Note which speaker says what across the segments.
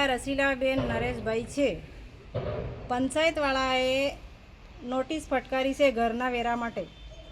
Speaker 1: અહીંયા રસીલાબેન નરેશભાઈ છે. પંચાયતવાળાએ નોટિસ ફટકારી છે ઘરના વેરા માટે.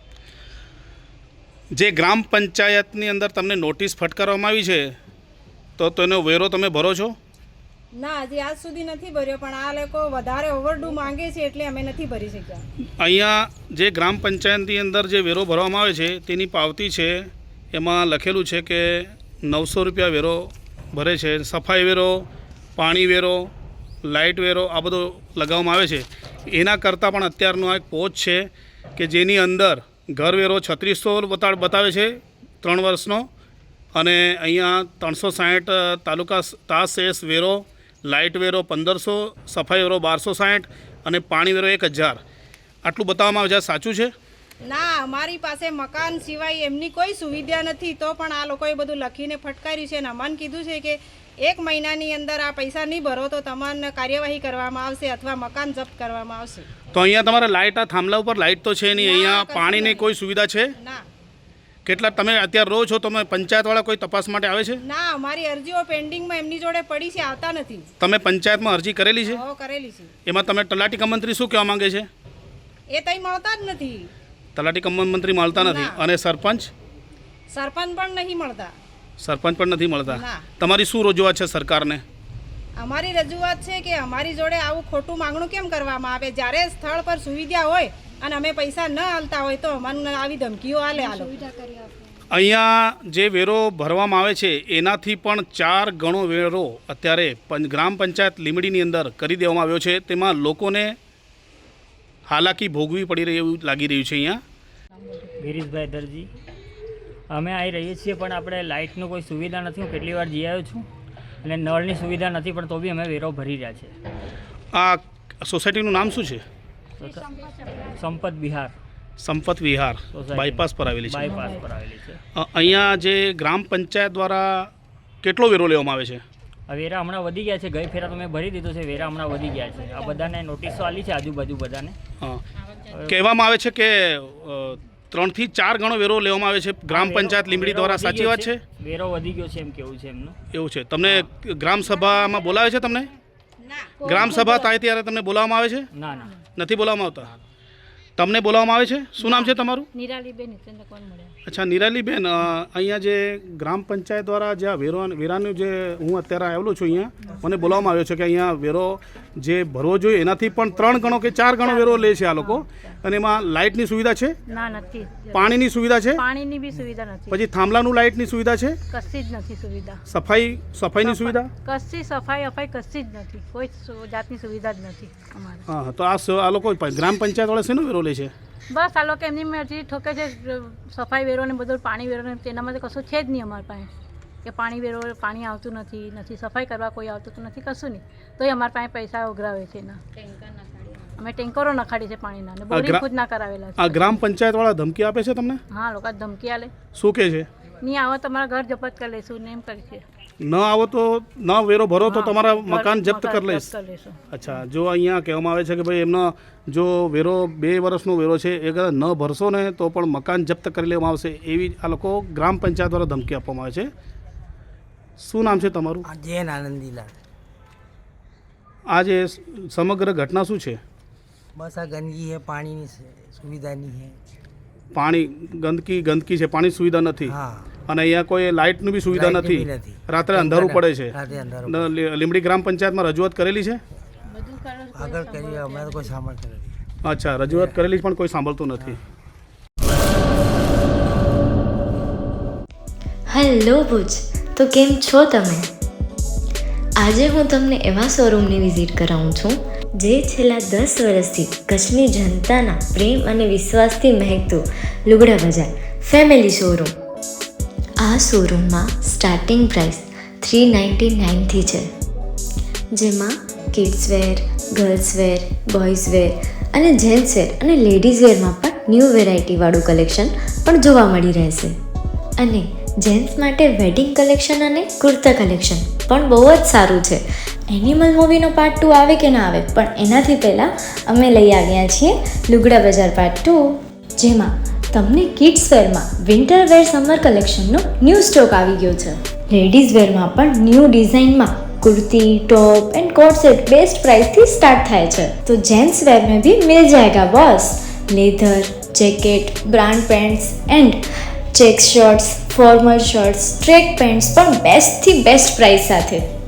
Speaker 2: જે ગ્રામ પંચાયતની અંદર તમને નોટિસ ફટકારવામાં આવી છે તો તેનો વેરો તમે ભરો છો?
Speaker 1: ના, હજી આજ સુધી નથી ભર્યો, પણ આ લોકો વધારે ઓવરડ્યુ માંગે છે એટલે અમે નથી ભરી શક્યા.
Speaker 2: અહીંયા જે ગ્રામ પંચાયતની અંદર જે વેરો ભરવામાં આવે છે તેની પાવતી છે, એમાં લખેલું છે કે 900 રૂપિયા વેરો ભરે છે. સફાઈ વેરો, પાણી વેરો, લાઇટ વેરો આ બધો લગાવવામાં આવે છે. એના કરતાં પણ અત્યારનો એક પોચ છે કે જેની અંદર ઘર વેરો 3600 બતાવે છે 3 વર્ષનો, અને અહીંયા 360 તાલુકા તાસ વેરો, લાઇટ વેરો 1500, સફાઈ વેરો 1260 અને પાણી વેરો 1000 આટલું બતાવવામાં આવે છે. સાચું છે?
Speaker 1: ના, અમારી પાસે મકાન સિવાય એમની કોઈ સુવિધા નથી, તો પણ આ લોકોએ બધું લખીને ફટકાર્યું છે. અને અમને કીધું છે કે 1 મહિનાની અંદર આ પૈસા નહીં ભરો તો તમને કાર્યવાહી કરવામાં આવશે અથવા મકાન જપ્ત કરવામાં આવશે.
Speaker 2: તો અહીંયા તમારે લાઇટ, આ થાંભલા ઉપર લાઇટ તો છે નહીં, અહીંયા પાણીની કોઈ સુવિધા છે?
Speaker 1: ના.
Speaker 2: કેટલા તમે અત્યારે રહો છો, તમે પંચાયતવાળા કોઈ તપાસ માટે આવે છે?
Speaker 1: ના, અમારી અરજીઓ પેન્ડિંગમાં એમની જોડે પડી છે, આવતા નથી.
Speaker 2: તમે પંચાયતમાં અરજી કરેલી છે?
Speaker 1: હો, કરેલી છે.
Speaker 2: એમાં તમે તલાટી કમ મંત્રી શું કહેવા માંગે છે?
Speaker 1: એ તઈ મળતા જ નથી.
Speaker 2: તલાટી કમ મંત્રી મળતા નથી. અને સરપંચ
Speaker 1: પણ નહીં મળતા.
Speaker 2: સરપંચ પણ નથી મળતા.
Speaker 1: ના.
Speaker 2: તમારી શું રજૂઆત છે સરકારને?
Speaker 1: અમારી રજૂઆત છે કે અમારી જોડે આવું ખોટું માંગણું કેમ કરવામાં આવે? જ્યારે સ્થળ પર સુવિધા હોય અને અમે પૈસા ન આલતા હોય તો અમને આવી ધમકીઓ આલે.
Speaker 2: અહીંયા જે વેરો ભરવામાં આવે છે એનાથી પણ 4 ગણો વેરો અત્યારે ગ્રામ પંચાયત લીંબડીની અંદર કરી દેવામાં આવ્યો છે. તેમાં લોકોને હાલાકી ભોગવી પડી રહી એવું લાગી રહ્યું છે. અહીંયા
Speaker 3: ગિરીશભાઈ દરજી, અમે આવી રહીએ છીએ પણ આપણે લાઇટનું કોઈ સુવિધા નથી. હું કેટલી વાર જઈ આવ્યો છું અને નળની સુવિધા નથી, પણ તો બી અમે વેરો ભરી રહ્યા છે.
Speaker 2: આ સોસાયટીનું નામ શું છે?
Speaker 3: સંપત વિહાર.
Speaker 2: સંપત વિહાર બાયપાસ પર આવેલી છે.
Speaker 3: બાયપાસ પર આવેલી છે.
Speaker 2: અહીંયા જે ગ્રામ પંચાયત દ્વારા કેટલો વેરો લેવામાં આવે છે?
Speaker 3: આ વેરા હમણાં વધી ગયા છે. ગઈ ફેરા તો મેં ભરી દીધું છે, વેરા હમણાં વધી ગયા છે. આ બધાને નોટિસો આલી છે આજુબાજુ બધાને.
Speaker 2: હા, કહેવામાં આવે છે કે 3 થી 4 ગણો વેરો લેવામાં આવે છે ગ્રામ પંચાયત લીંબડી દ્વારા. સાચી વાત છે?
Speaker 3: વેરો વધી ગયો છે એમ કેવું છે એમનું.
Speaker 2: એવું છે. તમને ગ્રામ સભામાં બોલાવે છે? તમને ગ્રામ સભા થાય ત્યારે તમને બોલાવવામાં આવે છે?
Speaker 3: ના ના,
Speaker 2: નથી બોલાવવામાં આવતા. તમને બોલાવવામાં આવે છે? શું નામ છે તમારું?
Speaker 1: નિરાલીબેન ચંદ્રકોન મળ્યા.
Speaker 2: અચ્છા, નિરાલીબેન, અહીંયા જે ગ્રામ પંચાયત દ્વારા જે આ વેરાનું જે હું અત્યારે આવેલો છું, અહીંયા મને બોલાવવામાં આવ્યો છે કે અહીંયા વેરો જે ભરવો જોઈએ એનાથી પણ 3 ગણો કે 4 ગણો વેરો લે છે આ લોકો. અને એમાં લાઇટની સુવિધા છે?
Speaker 1: ના, નથી.
Speaker 2: પાણીની સુવિધા છે?
Speaker 1: પાણીની બી સુવિધા નથી.
Speaker 2: પછી થાંભલાનું લાઇટની સુવિધા છે?
Speaker 1: કશી જ નથી સુવિધા.
Speaker 2: સફાઈની સુવિધા?
Speaker 1: કશી સફાઈ કશી જ નથી. કોઈ જાતની સુવિધા જ નથી અમારે.
Speaker 2: હા, તો આ લોકો ગ્રામ પંચાયત વાળા શેનો વેરો લે છે?
Speaker 1: બસ આ લોકો એમની મરજી ઠોકે છે. સફાઈ વેરો ને બધું પાણી વેરો ને તેનામાં તો કશું છે જ નહીં અમારી પાસે. કે પાણી વેરો, પાણી આવતું નથી સફાઈ કરવા કોઈ આવતું તો નથી, કશું નહીં. તોય અમારી પાસે પૈસા ઉઘરાવે છે એના. અમે ટેન્કરો નખાડી છે પાણીના અને બોરિંગ ખુદ ના કરાવેલા છે.
Speaker 2: આ ગ્રામ પંચાયત વાળા ધમકી આપે છે તમને?
Speaker 1: હા, લોકો ધમકી આલે.
Speaker 2: શું કહે છે?
Speaker 1: નહીં આવો તમારા ઘર જપ્ત કરી લઈશું ને એમ કરી છે.
Speaker 2: ન આવો તો ન વેરો ભરો તો તમારા મકાન જપ્ત કરી લઈશ. અચ્છા, જો અહીંયા કહેવામાં આવે છે કે ભાઈ એમનો જો વેરો 2 વર્ષનો વેરો છે એ કદાચ ન ભરશો ને તો પણ મકાન જપ્ત કરી લેવામાં આવશે, એવી આ લોકો ગ્રામ પંચાયત દ્વારા ધમકી આપવામાં આવે છે. શું નામ છે તમારું?
Speaker 4: જૈન આનંદીલાલ.
Speaker 2: આ જે સમગ્ર ઘટના શું છે?
Speaker 4: બસ આ ગંદકી है, પાણીની સુવિધા નહીં है.
Speaker 2: પાણી ગંદકી છે, પાણી સુવિધા નથી.
Speaker 4: હા.
Speaker 2: અને અહીંયા કોઈ લાઇટની બી સુવિધા
Speaker 4: લાઇટની
Speaker 2: નથી.
Speaker 4: બી નથી.
Speaker 2: રાત્રે અંધારું પડે છે.
Speaker 4: રાતે અંધારું.
Speaker 2: લીંબડી ગ્રામ પંચાયતમાં રજૂઆત કરેલી છે?
Speaker 4: આગળ કરી અમે તો કોઈ સાંભળતા નથી.
Speaker 2: અચ્છા, રજૂઆત કરેલી પણ કોઈ સાંભળતું નથી.
Speaker 5: હેલો ભુજ, તો કેમ છો તમે? આજે હું તમને એવા શોરૂમની વિઝિટ કરાવું છું જે છેલ્લા 10 વર્ષથી કચ્છની જનતાના પ્રેમ અને વિશ્વાસથી મહેકતું લુગડા બજાર ફેમિલી શોરૂમ. આ શોરૂમમાં સ્ટાર્ટિંગ પ્રાઇસ 399થી છે, જેમાં kids wear, girls wear, boys wear અને જેન્ટ્સ વેર અને લેડીઝ વેરમાં પણ ન્યૂ વેરાયટીવાળું કલેક્શન પણ જોવા મળી રહેશે. અને જેન્ટ્સ માટે વેડિંગ કલેક્શન અને કુર્તા કલેક્શન પણ બહુ જ સારું છે. એનિમલ મૂવીનો પાર્ટ 2 આવે કે ના આવે, પણ એનાથી પહેલાં અમે લઈ આવ્યા છીએ લુગડા બજાર પાર્ટ 2, જેમાં તમને કિડ્સ વેરમાં વિન્ટર વેર સમર કલેક્શનનો ન્યૂ સ્ટોક આવી ગયો છે. લેડીઝ વેરમાં પણ ન્યૂ ડિઝાઇનમાં kurti top and coat set best price थी स्टार्ट थाय छे। तो जेंट्स वेयर में भी मिल जाएगा boss. Leather jacket brand pants and check shirts formal shirts track pants पर बेस्ट थी बेस्ट प्राइस साथे।